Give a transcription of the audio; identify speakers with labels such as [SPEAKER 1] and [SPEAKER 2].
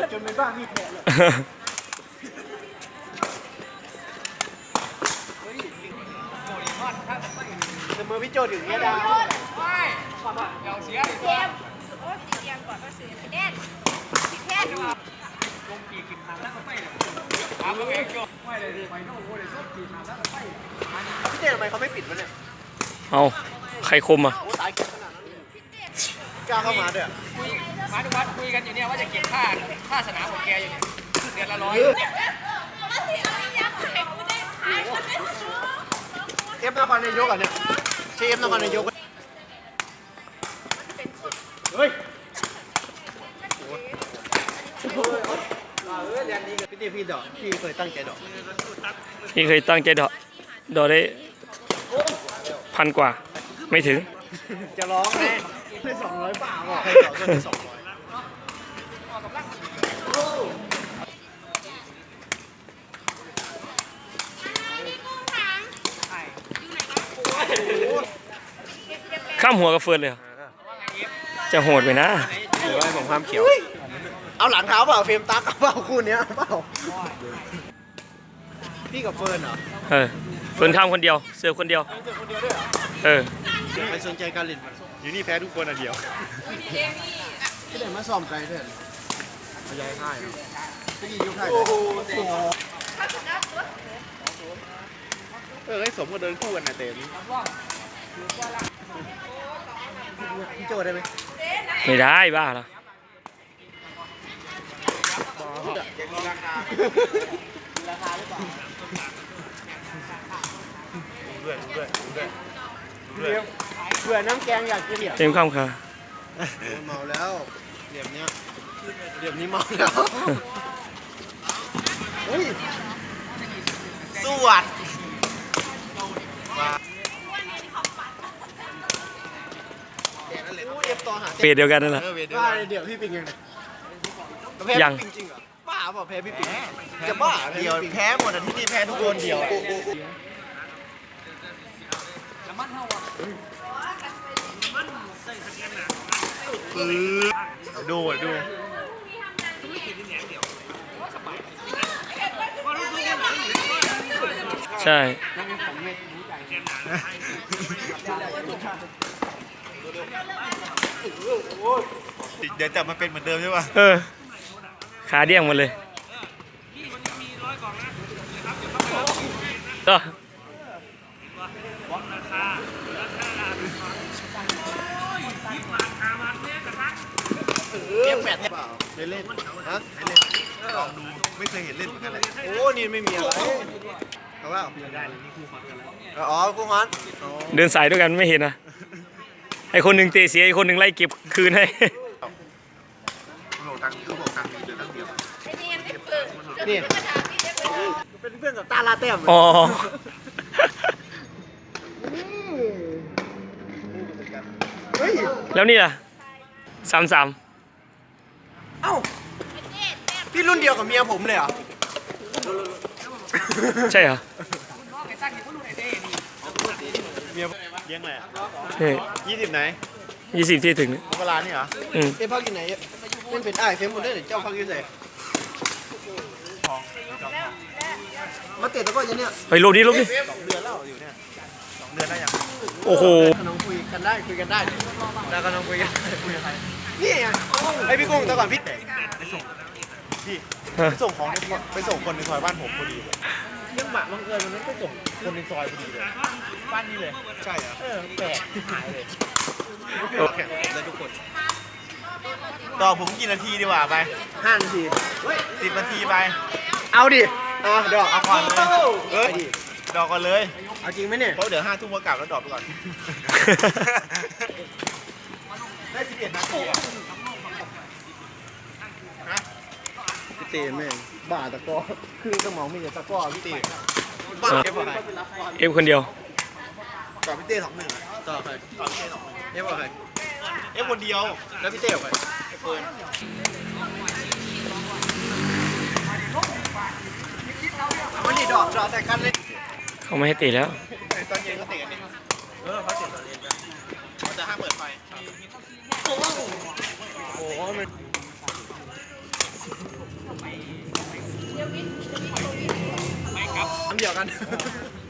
[SPEAKER 1] จนในบ้านมีแผลเลยเสมอพี่โจถึงเนี้ยดาวไม่เดี๋ยวเสียเกมโอ้ติดเกมก่อนก็ซื้อแน่นติดแค่ลงปีกินทางแล้วก็ไปเลยถามว่าเองโจไม่เลยดิไปโน่นเลยชอบปีทางแล้วก็ไปพี่เจทำไมเขาไม่ปิดวะเนี่ย
[SPEAKER 2] เอาใครคมอ่ะ
[SPEAKER 1] โอ้ตายเก่งขนาดนั้นกล้าเข้ามาด้วย
[SPEAKER 3] มาดูวัดคุยกันอยู่เนี่ยว่าจะเก็บค่าสนามของแกอยู่เนี่ยเดือนละ100
[SPEAKER 1] เอฟนครนายกอ่ะเนี่ยเชฟนครนายกเฮ้ยเรียนนี้กับพี่ดอกพี่เคยตั้งใจดอก
[SPEAKER 2] พี่เคยตั้งใจดอกได้1,000 กว่าไม่ถึง
[SPEAKER 1] จะร้องไงได้200เปล่าอ่ะใครดอกก็ได้200
[SPEAKER 2] ข้ามหัวกับเฟิร์นเลยจะโหดไปนะ
[SPEAKER 1] หรือว่าผมความเขียวเอาหลังเท้าเปล่าเฟรมตั๊กเปล่าคู่นี้เปล่าพี่กับเฟิร์นเหรอ
[SPEAKER 2] เฟิร์นข้ามคนเดียวเสือคนเดียว
[SPEAKER 1] ไปสนใจการเล่นอยู่นี่แพ้ทุกคนอ่ะเดียวที่ไหนมาซ้อมไกลเถอะมาย้ายค่ายเนาะที่นี่ยุคค่ายให้สมก็เดินคู่กันนะเต็มพี่โจได้ไหม
[SPEAKER 2] ไม่ได้บ้าเหรอ
[SPEAKER 1] ราคาหรือเปล่าเบื่อน้ำแกงอยากกิน
[SPEAKER 2] เต็มข้ามค่ะ
[SPEAKER 1] เมาแล้วเหลี่ยมนี้เมาแล้วเฮ้ยสวัสดี
[SPEAKER 2] เปรตเดียวกันนั่นแหละ
[SPEAKER 1] ว่าเดี๋ยวพี่ปิงยังจริงเหรอบ้าเปล่าแพ้พี่ปิงจะบ้าเดียวแพ้หมดที่นี่แพ้ทุกคนเดียวดู
[SPEAKER 2] ใช่
[SPEAKER 1] เดี๋ยวจับมันเป็นเหมือนเดิมใช่ป่ะ
[SPEAKER 2] ขาเดี้ยงหมดเลยก็
[SPEAKER 1] เกมแปดเปล่าเล่นฮะลองดูไม่เคยเห็นเล่นเหมือนกันเลยโอ้นี่ไม่มีอะไรเอาว่าอ๋อคู่ฮอน
[SPEAKER 2] เดินสายด้วยกันไม่เห็นนะไอคนหนึ่งเตะเสียไอคนหนึ่งไล่เก็บคืนให้
[SPEAKER 1] นี่เป็นเพื่อนกับตาลาเต้ม
[SPEAKER 2] อ๋อแล้วนี่ล่ะ33
[SPEAKER 1] เอ้าพี่รุ่นเดียวกับเมียผมเลยเหรอ
[SPEAKER 2] ใช่เหรอ
[SPEAKER 1] เมียเลี้ยงอะไรอ่ะ20ไหน
[SPEAKER 2] 20ที่ถึง
[SPEAKER 1] เวลานี่เหรอเอ้พักอยู่ไหนเป็นเป็นไอ้เฟมหมดเลยเจ้าพักอยู่ไหนมาเตะตะก้อยังเนี่ย
[SPEAKER 2] เฮ้ยลบดิ
[SPEAKER 1] 2 เดือนแล้วอยู่เนี่ย2 เดือนได้ยัง
[SPEAKER 2] โอ้โห
[SPEAKER 1] น้องคุยกันได้แล้วก็น้องคุยกันนี่ไงไอพี่กุ้งแต่ก่อนพี่ไปส่งของไปส่งคนในซอยบ้านผมพอดีเรื่องหมาบังเอิญวันนั้นไปส่งคนในซอยพอดีเลยบ้านนี้เลยใช่เหรอแปลกหายเลยแข่งได้ทุกคนต่อผมกี่นาทีดีกว่าไป5 นาที10 นาทีไปเอาดิดอกเอาก่อนเลยดอกก่อนเลยเอาจริงไหมเนี่ยเพราะเดี๋ยว5 ทุ่มก็กลับแล้วดอกไปก่อนได้11 นาทีอ่ะพี่เต้แม่งบ้าตะก้อคือสมองมีแต่ตะก้อพี่เต้บ้า
[SPEAKER 2] เอฟคนเดียว
[SPEAKER 1] ต่อพี่เต้2-1ต่อใครต่อพี่เต้2-1เอฟใครเอฟคนเดียวแล้วพี่เต้ใครเฟิร์นวันนี้ดอกใส่กันเลย
[SPEAKER 2] เขาไม่ให้ตีแล้ว
[SPEAKER 1] ตอนเย็นก็เตะกันเขาเตะตอนเย็นกันเขาจะห้ามเปิดไฟโอ้โห
[SPEAKER 3] ไม่ครับ
[SPEAKER 1] น้ำเดียวกัน